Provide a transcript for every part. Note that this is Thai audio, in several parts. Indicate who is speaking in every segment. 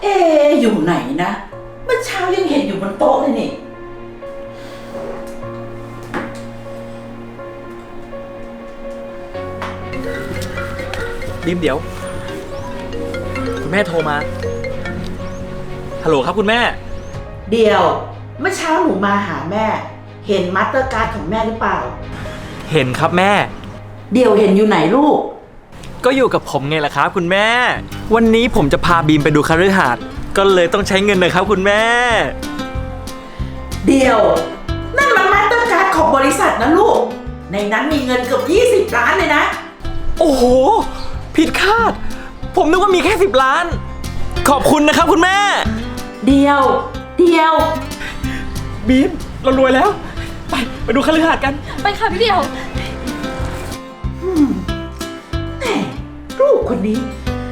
Speaker 1: เอ๊ะอยู่ไหนนะเมื่อเช้ายังเห็นอยู่บนโต๊ะเลยนี่
Speaker 2: บีมเดี๋ยวคุณแม่โทรมาฮัลโหลครับคุณแม่
Speaker 1: เดี๋ยวเมื่อเช้าหนูมาหาแม่เห็นมาสเตอร์การ์ดของแม่หรือเปล่า
Speaker 2: เห็นครับแม่
Speaker 1: เดี๋ยวเห็นอยู่ไหนลูก
Speaker 2: ก็อยู่กับผมไงล่ะครับคุณแม่วันนี้ผมจะพาบีมไปดูคฤหาสน์ก็เลยต้องใช้เงินหน่อยครับคุณแม่
Speaker 1: เดี๋ยวนั่นมันมาสเตอร์การ์ดของบริษัทนะลูกในนั้นมีเงินเกือบ20 ล้านเลยนะ
Speaker 2: โอ้โหผิดคาดผมนึกว่ามีแค่10 ล้านขอบคุณนะครับคุณแม่
Speaker 1: เดี๋ยว
Speaker 2: บีมเรารวยแล้วไปดูคฤหาสน์กัน
Speaker 3: ไปค่ะพี่เดียว
Speaker 1: แม่ลูกคนนี้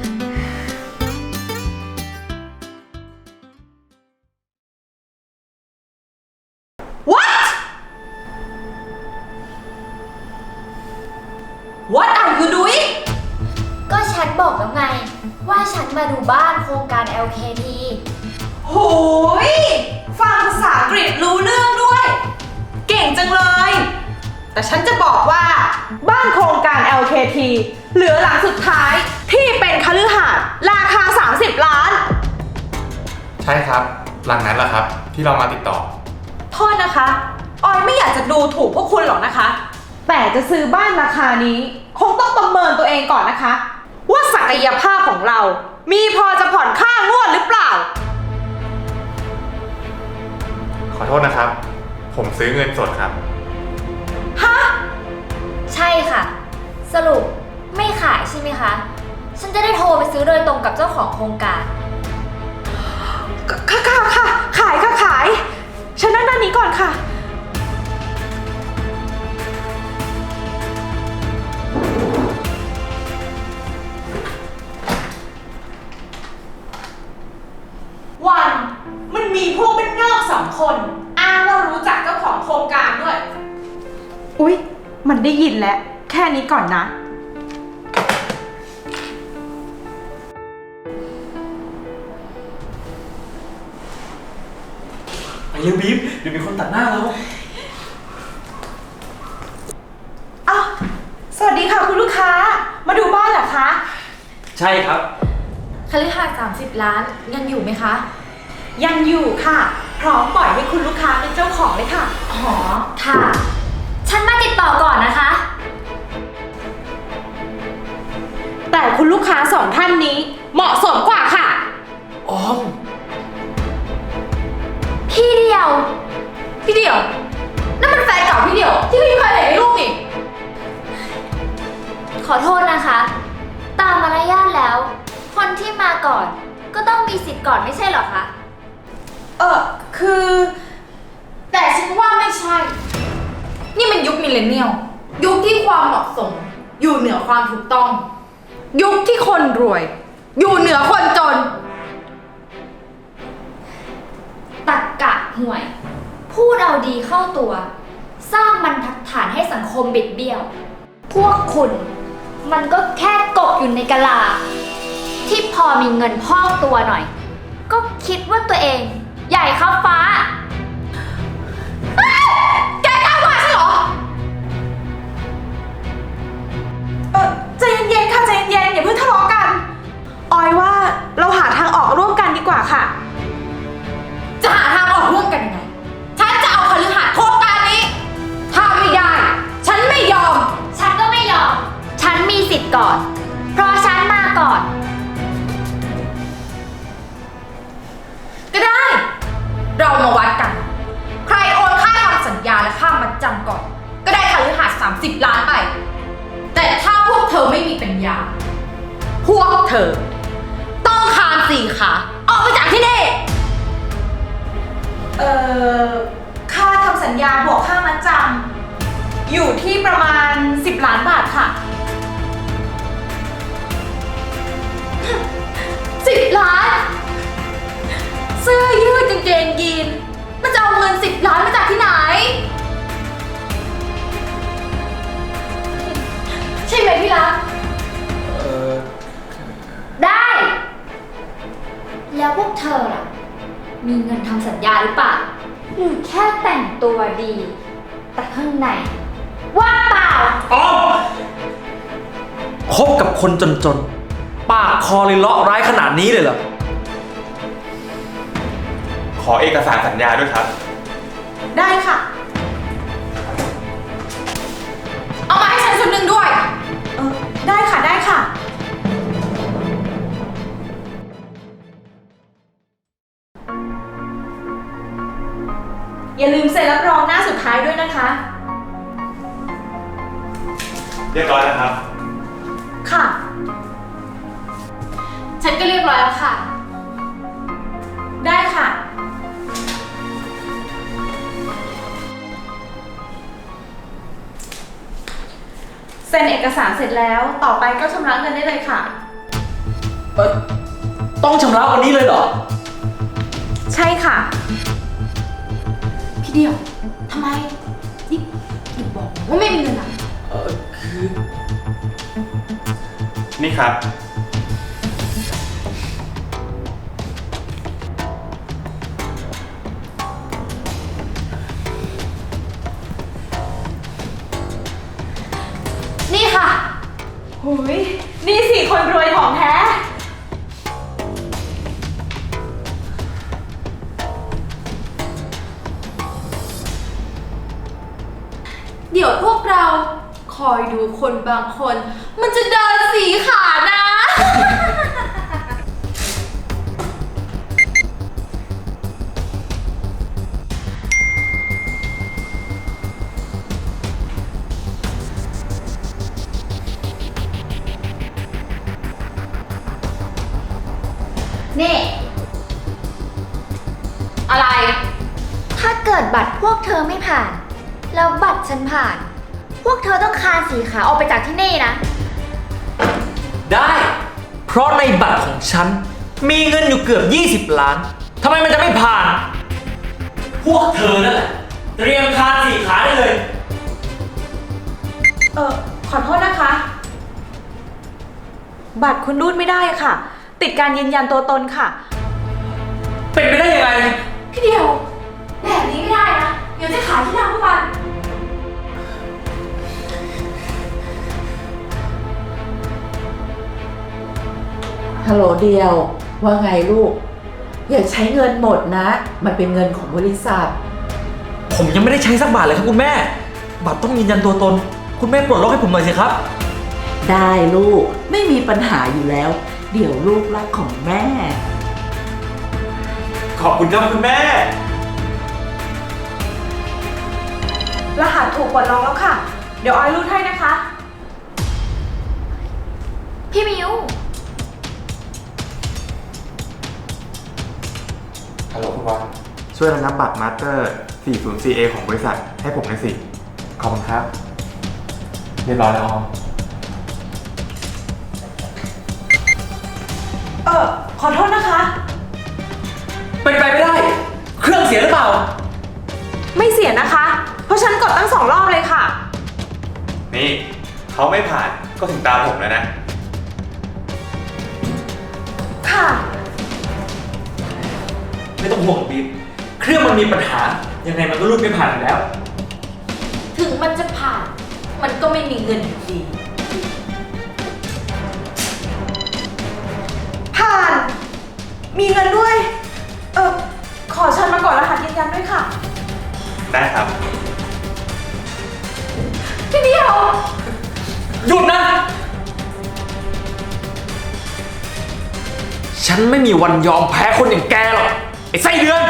Speaker 1: What are you doing
Speaker 3: ก็ฉันบอกแล้วไงว่าฉันมาดูบ้านโครงการ LKT
Speaker 4: โหยฟังภาษาอังกฤษรู้เรื่องด้วยเก่งจังเลยแต่ฉันจะบอกว่าบ้านโครงการ LKT เหลือหลังสุดท้ายที่เป็นคฤหาสน์ราคา30 ล้าน
Speaker 5: ใช่ครับหลังนั้นแหละครับที่เรามาติดต่อ
Speaker 4: โทษนะคะออยไม่อยากจะดูถูกพวกคุณหรอกนะคะแต่จะซื้อบ้านราคานี้คงต้องประเมินตัวเองก่อนนะคะว่าศักยภาพของเรามีพอจะผ่อนค่างวดหรือเปล่า
Speaker 5: ขอโทษนะครับผมซื้อเงินสดครับ
Speaker 4: ฮะ
Speaker 3: ใช่ค่ะสรุปไม่ขายใช่ไหมคะฉันจะได้โทรไปซื้อโดยตรงกับเจ้าของโครงการ
Speaker 4: ค่ะขายฉันนั่งด้านนี้ก่อนค่ะวันมันมีพวกเป็นนอก2 คนอ้างว่ารู้จักเจ้าของโครงการด้วยอุ๊ยมันได้ยินแล้วแค่นี้ก่อนนะ
Speaker 2: ไปเร็วบีมเดี๋ยวมีคนตัดหน้าเรา
Speaker 4: อ้าวสวัสดีค่ะคุณลูกค้ามาดูบ้านเหรอคะ
Speaker 2: ใช่ครับ
Speaker 3: คฤหาสน์30 ล้านยังอยู่ไหมคะ
Speaker 4: ยังอยู่ค่ะพร้อมปล่อยให้คุณลูกค้าเป็นเจ้าของเลยค่ะ
Speaker 3: อ๋อค่ะฉันมาติดต่อก่อนนะคะ
Speaker 4: แต่คุณลูกค้า2 ท่านนี้เหมาะสมกว่าค่ะ
Speaker 2: ออม
Speaker 3: พี่เดียวนั่นมันแฟนเก่าพี่เดียวที่พี่เคยเห็นในรูปนี่ขอโทษนะคะตามมารยาทแล้วคนที่มาก่อนก็ต้องมีสิทธิ์ก่อนไม่ใช่เหรอคะ
Speaker 4: คือ
Speaker 3: แต่ฉันว่าไม่ใช่นี่มันยุคมิลเลนเนียลยุคที่ความเหมาะสมอยู่เหนือความถูกต้อง
Speaker 4: ยุคที่คนรวยอยู่เหนือคนจน
Speaker 3: ตรรกะห่วยพูดเอาดีเข้าตัวสร้างบรรทัดฐานให้สังคมบิดเบี้ยวพวกคุณมันก็แค่กบอยู่ในกะลาที่พอมีเงินพอกตัวหน่อยก็คิดว่าตัวเองใหญ่ครับฟ้า
Speaker 4: แกกล้าว่าฉันเหรอใจเย็นๆค่ะใจเย็นๆอย่าเพิ่งทะเลาะกันออยว่าเราหาทางออกร่วมกันดีกว่าค่ะจะหาทางออกร่วมกันยังไงฉันจะเอาคฤหาสน์โครงการนี้ถ้าไม่ได้ฉันไม่ยอม
Speaker 3: ฉันก็ไม่ยอมฉันมีสิทธิ์ก่อนเพราะฉันมาก่อน
Speaker 4: ก็ได้เรามาวัดกันใครโอนค่าทำสัญญาและค่ามัดจำก่อนก็ได้คฤหาสน์30 ล้านไปแต่ถ้าพวกเธอไม่มีปัญญาพวกเธอต้องคาน4 ขาออกไปจากที่นี่ค่าทำสัญญาบวกค่ามัดจำอยู่ที่ประมาณ10 ล้านบาทค่ะ10 ล้านเสื้อยืดกางเกงยีนมันจะเอาเงิน10 ล้านมาจากที่ไหนใช่ไหมพี่รัก
Speaker 3: ได้แล้วพวกเธอล่ะ มีเงินทำสัญญาหรือเปล่า หรือแค่แต่งตัวดี แต่ข้างในว่างเปล่า
Speaker 2: อ๋อคบกับคนจนๆ ปากคอเลยเลาะร้ายขนาดนี้เลยเหรอ
Speaker 5: ขอเอกสารสัญญาด้วยครับ
Speaker 1: ได้ค่ะ
Speaker 4: เอามาให้ฉันชุดหนึ่งด้วย
Speaker 1: ได้ค่ะได้ค่ะ อย่าลืมเซ็นรับรองหน้าสุดท้ายด้วยนะคะ
Speaker 5: เรียบร้อยแล้วครับ
Speaker 1: ค่ะ
Speaker 4: ฉันก็เรียบร้อยแล้วค่ะ
Speaker 1: ได้ค่ะ เซ็นเอกสารเสร็จแล้ว ต่อไปก็ชำระเงินได้เลยค่ะ
Speaker 2: ต้องชำระวันนี้เลยเหรอ
Speaker 1: ใช่ค่ะ
Speaker 4: พี่เดียว ทำไม นี่อย่าบอกว่าไม่มีเงินอ่ะ
Speaker 2: คือ
Speaker 5: นี่ครับ
Speaker 4: นี่ค่ะ
Speaker 1: หุยนี่สิคนรวยของแท้
Speaker 4: เดี๋ยวพวกเราคอยดูคนบางคน มันจะเดินสีขานะ
Speaker 3: นี่
Speaker 4: อะไร
Speaker 3: ถ้าเกิดบัตรพวกเธอไม่ผ่าน แล้วบัตรฉันผ่าน พวกเธอต้องคานสีขาออกไปจากที่นี่นะ
Speaker 2: ได้ เพราะในบัตรของฉัน มีเงินอยู่เกือบ 20 ล้าน ทำไมมันจะไม่ผ่าน พวกเธอนั่นแหละ เตรียมคานสี่ขาได้เลย
Speaker 1: ขอโทษนะคะ บัตรคุณรูดไม่ได้ค่ะ ติดการยืนยันตัวตนค่ะ
Speaker 2: เป็นไปได้ยังไง
Speaker 4: พี่เดียว แบบนี้ไม่ได้นะ เดี๋ยวจะขายที่ร้านพวกมัน
Speaker 1: ฮัลโหลเดียว ว่าไงลูก อย่าใช้เงินหมดนะ มันเป็นเงินของบริษัท
Speaker 2: ผมยังไม่ได้ใช้สักบาทเลยครับคุณแม่ บัตรต้องยืนยันตัวตน คุณแม่ปลดล็อกให้ผมหน่อยสิครับ
Speaker 1: ได้ลูกไม่มีปัญหาอยู่แล้ว เดี๋ยวลูกรักของแม่
Speaker 2: ขอบคุณครับคุณแม่
Speaker 1: รหัสถูกปลดล็อกแล้วค่ะ เดี๋ยวออยรูดให้นะคะ
Speaker 3: พี่มิว
Speaker 5: ฮัลโหลคุณบอลช่วยระงับบัตรมาสเตอร์ 404A ของบริษัทให้ผมหน่อยสิ ขอบคุณครับ เรียบร้อยแล้วออม
Speaker 1: ขอโทษนะคะ
Speaker 2: เป็นไปไม่ได้ เครื่องเสียหรือเปล่า
Speaker 1: ไม่เสียนะคะ เพราะฉันกดตั้ง2 รอบเลยค่ะ
Speaker 5: นี่เขาไม่ผ่านก็ถึงตาผมแล้วนะ
Speaker 1: ค่ะ
Speaker 2: ไม่ต้องห่วงบีมเครื่องมันมีปัญหา ยังไงมันก็รูดไม่ผ่านอยู่แล้ว
Speaker 4: ถึงมันจะผ่าน มันก็ไม่มีเงินอยู่ดี
Speaker 1: ผ่าน มีเงินด้วย ขอเชิญมาก่อนรหัสยืนยันด้วยค่ะ
Speaker 5: ได้ครับ
Speaker 4: พี่เดียว
Speaker 2: หยุดนะ ฉันไม่มีวันยอมแพ้คนอย่างแกหรอก ไอ้ไส้เดือน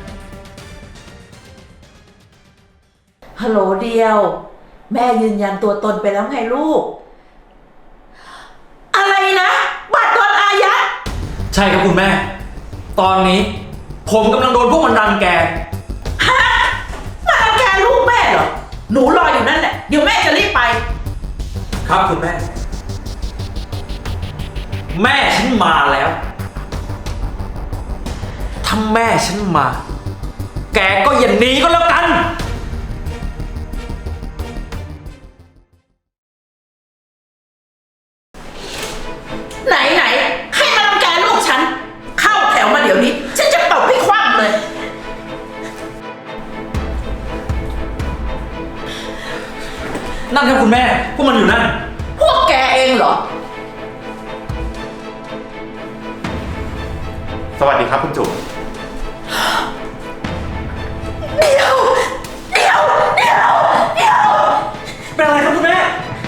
Speaker 1: ฮัลโหลเดียว แม่ยืนยันตัวตนไปแล้วไงลูก อะไรนะ บัตรโดนอายัด
Speaker 2: ใช่ครับคุณแม่ ตอนนี้ ผมกำลังโดนพวกมันรังแก
Speaker 1: มารังแกลูกแม่เหรอ หนูรออยู่นั่นแหละ เดี๋ยวแม่จะรีบไป
Speaker 2: ครับคุณแม่ แม่ฉันมาแล้ว ถ้าแม่ฉันมา แกก็อย่าหนีก็แล้วกัน
Speaker 1: ไหนให้มารังแกลูกฉัน เข้าแถวมายวนี้ ฉันจะตบให้คว่ำเลย
Speaker 2: นั่นครับคุณแม่ พวกมันอยู่นั่น
Speaker 1: พวกแกเองเหรอ
Speaker 5: สวัสดีครับคุณจุ๋ม
Speaker 1: เดี๋ยว
Speaker 2: เป็นอะไรครับคุณแม่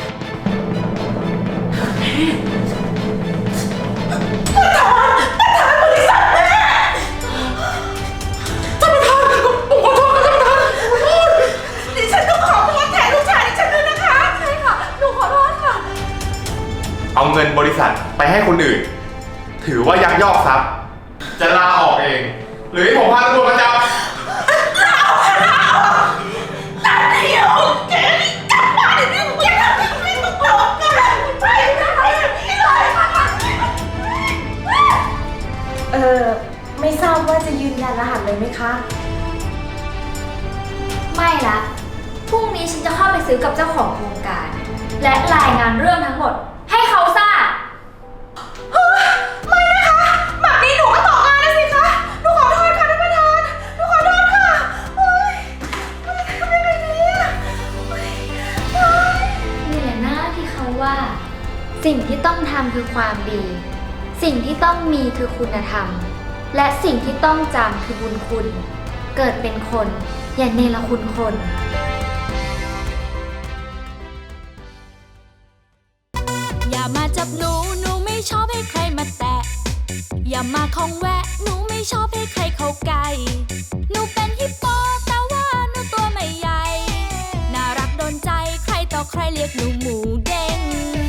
Speaker 1: บริษัทแม่ท่านประธานผมขอโทษครับท่านประธานดิฉันต้องขอโทษแทนลูกชายดิฉันด้วยนะคะ
Speaker 4: ใช่ค่ะ หนูขอโทษค่ะ
Speaker 5: เอาเงินบริษัทไปให้คนอื่น ถือว่ายักยอกทรัพย์ จะลาออกเอง หรือให้ผมพาตำรวจมาจับ
Speaker 1: แต่เดี๋ยวแกนี่กลับบ้านเดี๋ยวนี้อย่าทำให้ต้องโดนกันไปอย่างนี้เลยค่ะ
Speaker 6: ไม่ทราบว่าจะยืนยันรหัสเลยไหมคะ
Speaker 3: ไม่ละ พรุ่งนี้ฉันจะเข้าไปซื้อกับเจ้าของโครงการ และรายงานเรื่องทั้งหมด ให้เขาทราบ
Speaker 4: ไม่นะคะ แบบนี้หนูก็ตกงานนะสิคะ หนูขอโทษค่ะท่านประธาน หนูขอโทษค่ะโอ๊ยทำยังไงดีอะ
Speaker 3: นี่แหละหน้าที่เขาว่า สิ่งที่ต้องทำคือความดี สิ่งที่ต้องมีคือคุณธรรม และสิ่งที่ต้องจำคือบุญคุณ เกิดเป็นคน อย่าเนรคุณคน
Speaker 7: อย่ามาจับหนู หนูไม่ชอบให้ใครมาแตะ อย่ามาคองแวะ หนูไม่ชอบให้ใครเข้าใกล้ หนูเป็นฮิปโปแต่ว่าหนูตัวไม่ใหญ่ น่ารักโดนใจ ใครต่อใครเรียกหนูหมูเด้ง